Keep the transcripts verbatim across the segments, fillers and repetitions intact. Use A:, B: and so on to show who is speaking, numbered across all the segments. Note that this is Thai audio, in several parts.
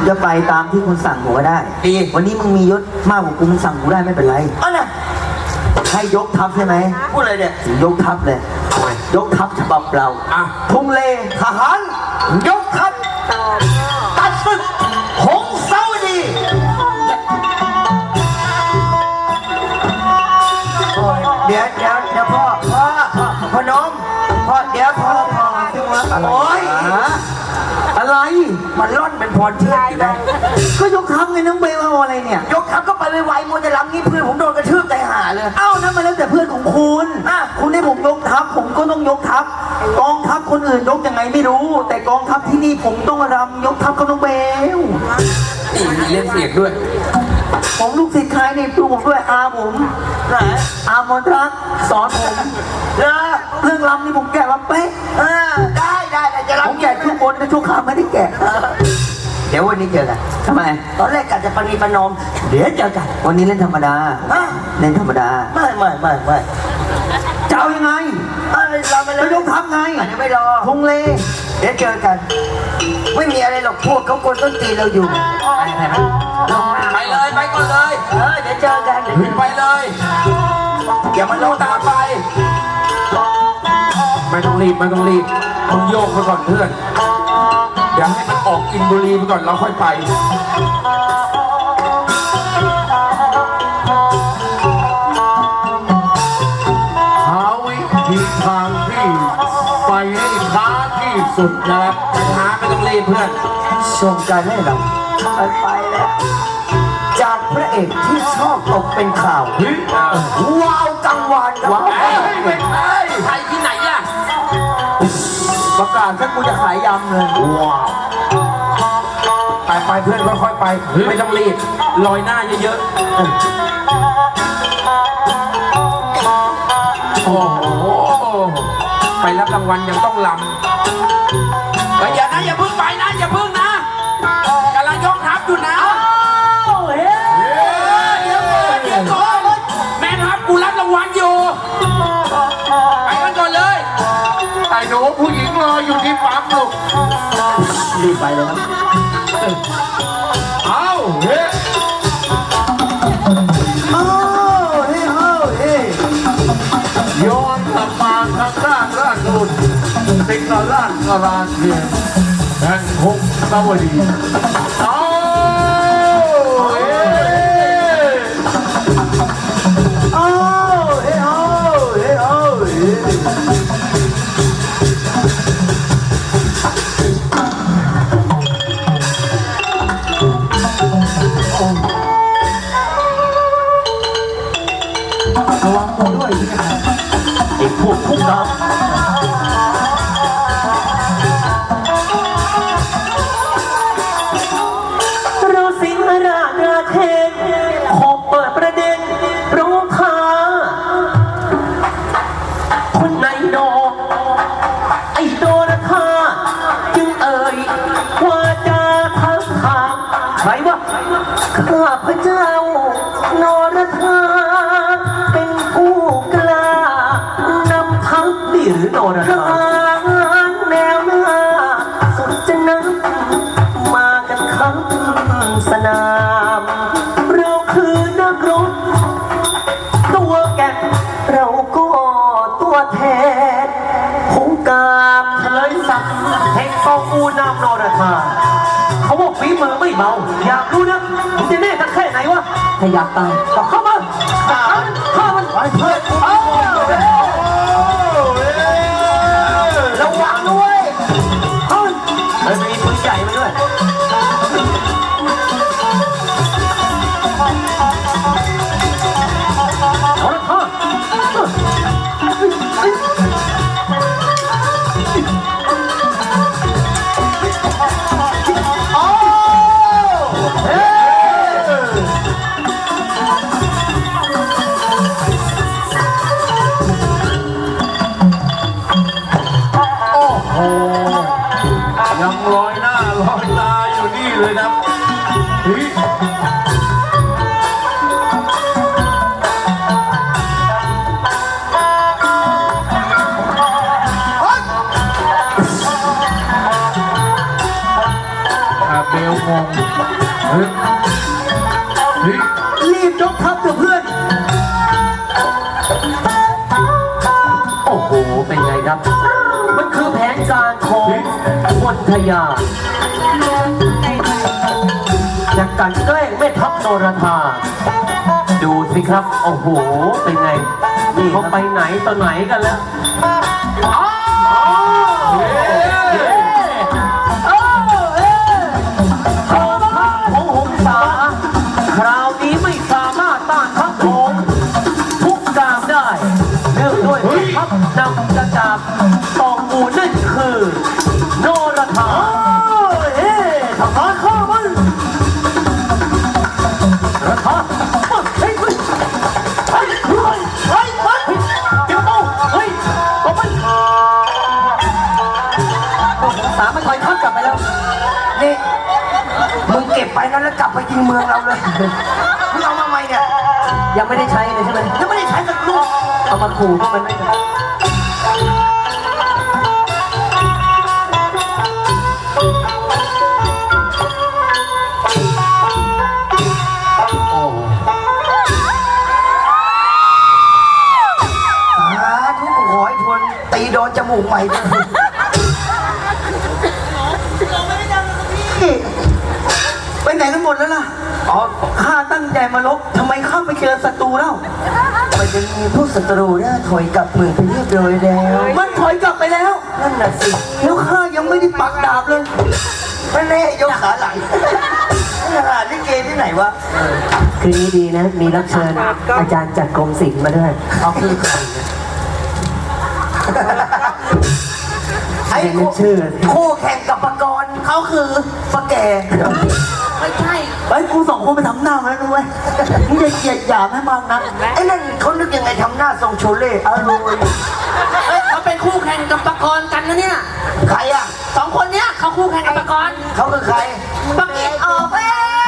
A: จะไปตามที่คุณสั่งผมก็ได้ดีวันนี้มึงมียศมากกว่ากูมึงสั่งกูได้ไม่เป็นไรอ๋อน่ะให้ยกทัพใช่ไหมพูดอะไรเนี่ยยกทัพเลยยกทัพฉบับเราทุ่งเลทหารยกทัพตัดศึกหงสาวดีเดี๋ยวเดี๋ยวเดี๋ยวพ่อพ่อพ่อน้องพ่อเดี๋ยวพ่อพ่อโอ๊ยอะไรมันร่อนเป็นพรเชื่ออยู่นะก็ยกทัพไงน้องเบลเอาอะไรเนี่ยยกทัพก็ไปไวๆมัวจะล้ำนี่เพื่อนผมโดนกระทืบใจหาเลยเอ้านั่นมาแล้วแต่เพื่อนของคุณอ่ะคุณให้ผมยกทัพผมก็ต้องยกทัพกองทัพคนอื่นยกยังไงไม่รู้แต่กองทัพที่นี่ผมต้องรำยกทัพกับน้องเบล
B: นี่เล่นเสียงด้วย
A: ผมลูกศิษย์ใครในครูผมด้วยอาผมไหนอามนรักสอนผมเรื่องรำนี่ผมแกะมาเป๊ะได้ได้จะรำผมแกะทุกคนแต่ทุกคำไม่ได้แกะเดี๋ยววันนี้เจอกันทำไมตอนแรกกะจะปณีประนอมเดี๋ยวเจอกันวันนี้เล่นธรรมดาเล่นธรรมดาไม่ไม่ไม่ไม่จะเอายังไงเราไปเลยยกทัพไงเดี๋ยวไม่รอทงเลเดี๋ยวเจอกันไม่มีอะไรหรอกพวกเขาคนต้นตีเราอยู่
B: ไปเลยไปก่อนเลย
A: เออเดี๋ยวเจอกัน
B: ไปเลยอย่ามาโลตามไปไม่ต้องรีบไม่ต้องรีบมึงโยกไปก่อนเพื่อนเดี๋ยวให้มันออกอินบุรีไปก่อนเราค่อยไป
C: หาวิธีทางที่ไปให้ช้าที่สุดนะครับ
B: ช้าไม่ต้องรีบเพื่อน
A: ชมการให้เราไปไปแล้วจากพระเอกที่ชอบตกเป็นข่าวว้าวกังวานว้าว
B: ไม่ใช่ใครที่ไหนอ่ะ
A: ประกาศถ้ากูจะขายยำเลย
B: ว้าวไปไปเพื่อนค่อยๆไปไม่ต้องรีบลอยหน้าเยอะๆโอ้โหไปรับรางวัลยังต้องลำไปอย่านะอย่าพึ่งไปนะอย่าพึ่งนะกำลังยกทัพอยู่นะเดี๋ยวก่อนเดี๋ยวก่อนแม่ทัพกูรับรางวัลอยู่ไปกันก่อนเลย
C: ไอ้หนูผู้หญิงรออยู่ที่ปั๊มลูก
A: รีบไปเลยครับ
C: เอาเฮ้
A: เอาเฮ้เอาเฮ้
C: ย้อนกลับมาทางด้านราชบุตรสิงห์ราชกราเทียนแห่งหงสาวดีเอาเฮ้
A: เอาเฮ้เอาเฮ้เอาเฮ้ระวังตัวด้วยไอ้พวกพวกเราเราสิงห์ราชราเทนขอเปิดประเด็นร้องค้าคนไหนดอกไอ้โดราคาจึงเอ่ยว่าจะทักถามใครวะข้าพเจ้านรธาเป็นผู้กล้านำทัพนี่หรือนรธาแนวหน้าสุดจะนับมากันครับสนามเราคือนักรบตัวแก่เราก็ตัวแทนหงกามเฉลยศักดิ์แห่งกองอูนามนรธาเขาบอกฝีมือไม่เบาอยากรู้นะมึงจะแน่กันแค่ไหนวะถ้าอยากตายก็เข้ามาฆ่ามันฆ่ามันไปเถิดเอาระวังด้วยเฮ้ยมันมีปืนใหญ่มาด้วยเอาละพ่อ
C: ยังลอยหน้าลอยตาอยู่นี่เลยนะเบลงงเฮ้ยเฮ้ย
A: รีบยกทัพเถอะเพื่อน โอ้โห เป็นไงครับ มันคือแผนการของมนทยาจะกลันแกล้งแม่ทัพโนราธาดูสิครับ โอ้โห เป็นไง นี่เขาไปไหนต่อไหนกันแล้วอ้าวเย้อ้าวเอ๊ะกองทัพของหงสาคราวนี้ไม่สามารถต้านทัพของทุกกามได้เนื่องด้วยแม่ทัพนำจะจากตองอูนั่นคือโนราธาเอ๊ะทหารข้ามันราคาเฮ้ยเฮ้ยเฮ้ยเฮ้ยเฮ้ยเฮ้ยเดี๋ยวต้องเฮ้ยผมมันสามมันถอยทัพกลับไปแล้ว
D: นี่มึงเก็บไปนั้นแล้วกลับไปยิงเมืองเราเลยมึงเอามาใหม่เนี่ย
A: ยังไม่ได้ใช้เลยใช่ไหม
D: ยังไม่ได้ใช้สักลูก
A: เอามาขู่พวกมันไม่ได้โอ้
D: สาธุขอให้ทวนตีโดนจมูกใหม่ด้วยไปไหนกันหมดแล้วล่ะ
A: อ๋อ
D: ข้าตั้งใจมาลบทำไมข้าไปเจอศัตรูแล้วมันจะมีพวกศัตรูเนี่ยถอยกลับเมืองไปเรียบร้อยแล้วมันถอยกลับไปแล้ว นั่นน่ะสิแล้วข้ายังไม่ได้ปักดาบเลยไม่แน่ยกขาหลังนี่ขนาดลิเกที่ไหนวะ
A: คืนนี้ดีนะ มีรับเชิญอาจารย์จากกรมศิลป์มาด้วยเอาคือใครนะ
D: ไอ้
A: เรียน
D: คู่
A: ชื่อ
D: คู่แข่งกับปกรณ์เขาคือปะแกไม่ใช่ไอ้กูสองคนไปทำหน้ามาแล้วด้วยมึงอย่าเกลียดหยามให้มากนะไอ้นั่นเขานึกยังไงทำหน้าทรงโชเล่อร่อย
E: เอ้ยเขาเป็นคู่แข่งกับปกรณ์กันนะเนี่ย
D: ใครอ่ะ
E: สองคนเนี้ยเขาคู่แข่งกับปกรณ์
D: เขาคือใคร
E: ปักกิ่งออกแล้ว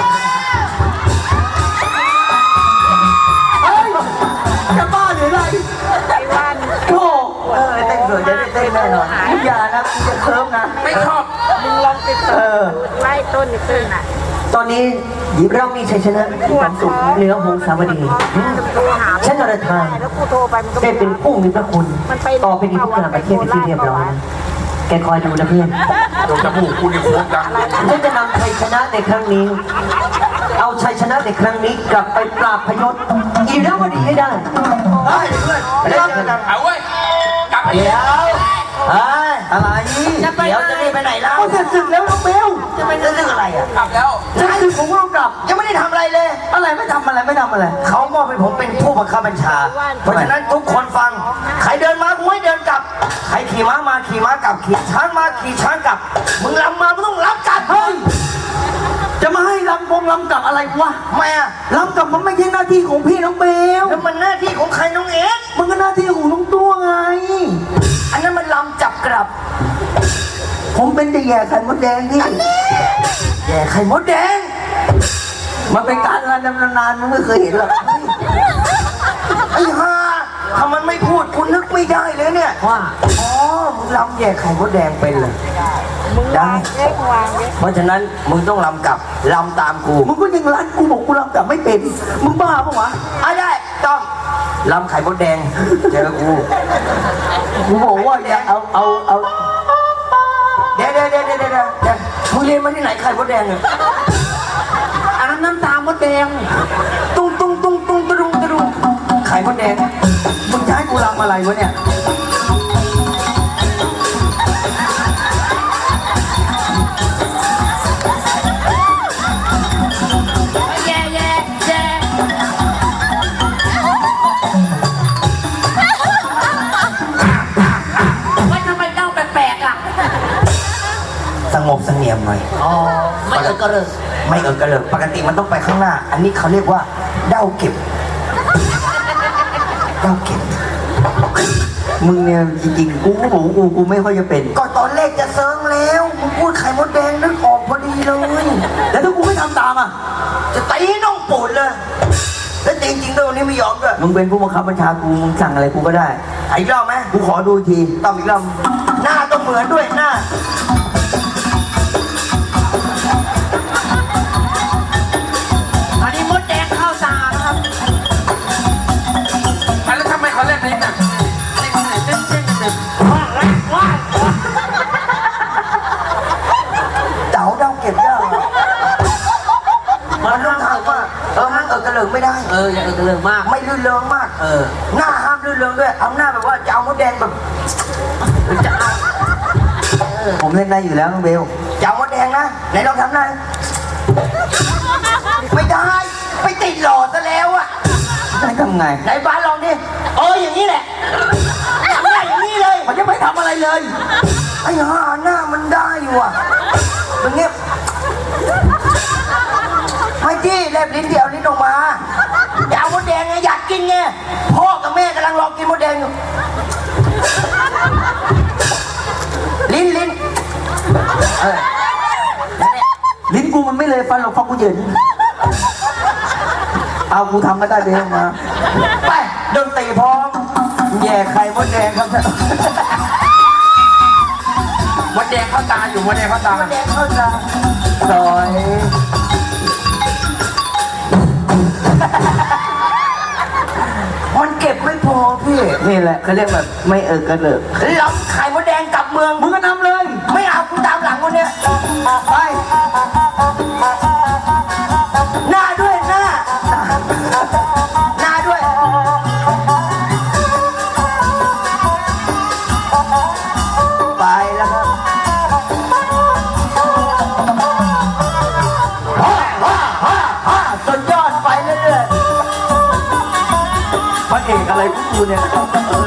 D: เฮ้ยจะบ้าหรือไรโธ่เออเต้นสวยจะได้เต้นแน่นอนมึงอย่านะมึงจะเคิร์ฟนะ
B: ไม่ชอบ
F: มึงลองติดต่อไล่ต้นนี่ขึ้นอ่ะ
A: ตอนนี้เรามีชัยชนะมีความสุขเหนือหงสาวดี
F: โทรหา
A: ฉันนรธา
F: แล้วกูโทรไปมันก็
A: ได้เป็นผู้มีพระคุณ ต่อไปนี้ทุกการประเทศเป็นที่เรียบร้อยนะแกคอยดูนะเพื่อน
B: โดนจมูกกูนี่โค้งดัง
A: ฉันจะนำชัยชนะในครั้งนี้ เอาชัยชนะในครั้งนี้กลับไปปราบพยศอีราวดีให้ได้
D: เฮ้ยเพื่อนเดี๋ยวกัน
B: เอาเว้ย กลับไป
D: เดี๋ยวเฮ้ยอะไร
E: จะไป
D: เดี๋ยว
E: ไหน
D: จะรีบไปไหนแล้ว
A: เอาเสร็จศึกแล้วน้องเบล
D: จะไปเรื่องอะไรอ่ะ
B: กลับแล้ว
A: เสร็จศึกผมก็ต้องกลับ
D: ยังไม่ได้ทำอะไรเลย
A: อะไรไม่ทำอะไรไม่ทำอะไร
D: เขามอบให้ผมเป็นผู้บังคับบัญชา เพราะฉะนั้นทุกคนฟัง ใครเดินมากูให้เดินกลับ ใครขี่ม้ามาขี่ม้ากลับ ขี่ช้างมาขี่ช้างกลับ มึงลำมามึงต้องรับกลับ
A: เฮ้ย จะมาให้ลำวงลำกลับอะไรวะ
D: ทำไมอ่ะ
A: ลำกลับมันไม่ใช่หน้าที่ของพี่น้องเบล
D: แล้วมันหน้าที่ของใครน้องเอ็กซ์
A: มันก็หน้าที่ของน้องตัวไง
D: อันนั้นมันลำจับกลับ
A: ผมเป็นแต่แย่ไข่มดแดงนี่
D: แย่ไข่มดแดง
A: มันเป็นการงานนานๆมันไม่เคยเห็นหรอก
D: ไอ้ห่าถ้ามันไม่พูดคุณนึกไม่ได้เลยเนี่ย
A: ว่า
D: อ๋อ มึงลำแย่ไข่มดแดงเป็นเลย
F: มึงวางเล็กวางเล็ก
D: เพราะฉะนั้นมึงต้องลำกลับลำตามกู
A: มึงก็ยังรันกูบอกกูลำกลับไม่เป็น มึงบ้าปะวะ
D: อ่ะได้ต้องลำไข่มดแดงเจอกู
A: กูบอกว่าอย่าเอาเอาเอา
D: เดี๋ยวเดี๋ยวเดี๋ยวเดี๋ยวเดี๋ยวเดี๋ยวมึงเรียนมาที่ไหนไข่มดแดงเนี่ย
E: อันนั้นน้ำตาลมดแดง
D: ตุ้งตุ้งตุ้งตุ้งตะรุงตะรุงไข่มดแดง
A: มึงจะให้กูลำอะไรวะเนี่ย
E: แย่แย่แย่ว่าทำไมเจ้าแปลกๆอ่ะ
D: สงบเสงี่ยมหน่อย
E: อ๋อ ไม่เออกระเริก
D: ไม่เออกระเลิกปกติมันต้องไปข้างหน้า อันนี้เขาเรียกว่าเด้าเก็บเด้าเก็บ
A: มึงเนี่ยจริงๆ กูก็บอกว่ากูกูไม่ค่อยจะเป็น
D: ก็ตอนแรกจะเซิร์งแล้วมึงพูดไข่มดแดงนึกออกพอดีเลย
A: แล้วถ้ากูไม่ทำตามอ่ะ
D: จะตีน้องปูดเลย แล้วจริงๆด้วยวันนี้ไม่ยอมด้วย
A: มึงเป็นผู้บังคับบัญชากู มึงสั่งอะไรกูก็ได้
D: ไอ้รอบไหม
A: กูขอดูอีกที
D: ต้องอีกรอบหน้าต้องเหมือนด้วยหน้าอกระเลิกไม่ได้
E: เอออย่าเออกระเริงมาก
D: ไม่ลื่นเริงมาก
E: เออ
D: หน้าห้ามลื่นเริงด้วย เอาหน้าแบบว่าจะเอามดแดงแบบจะเอาผมเล่นได้อยู่แล้วน้องเบลจะเอามดแดงนะไหนลองทำหน่อยไม่ได้ไปติดหลอดซะแล้วอะได้ทำไงไหนบ้านลองดิเอออย่างนี้แหละทำได้อย่างนี้เลยมันจะไม่ทำอะไรเลยไอ้ห่าหน้ามันได้อยู่อะมันเงี้ยไม่ที่แลบลิ้นเดียวลิ้นออกมาอย่าเอามดแดงไงอยากกินไงพ่อกับแม่กำลังรอกินมดแดงอยู่ลิ้นลิ้นเออลิ้นกูมันไม่เลยฟันหรอกฟันกูเหยินเอากูทำก็ได้เบลมาไปดนตรีพร้อมแย่ไข่มดแดงครับ
B: มดแดงเข้าตาอยู่มดแดงเข้าตาม
D: ดแดงเข้าตาซอยมันเก็บไม่พอพี่นี่แหละเขาเรียกแบบไม่เออกระเลิกรับไข่มดแดงกลับเมืองมึงก็นำเลย ไม่เอากูตามหลังคนเนี้ยไปหน้าด้วยหน้าหน้าด้วยไปแล้วครับฮ่าฮ่าฮ่าฮ่าสุดยอดไปเรื่อยๆพระเอกอะไรพวกกูเนี่ย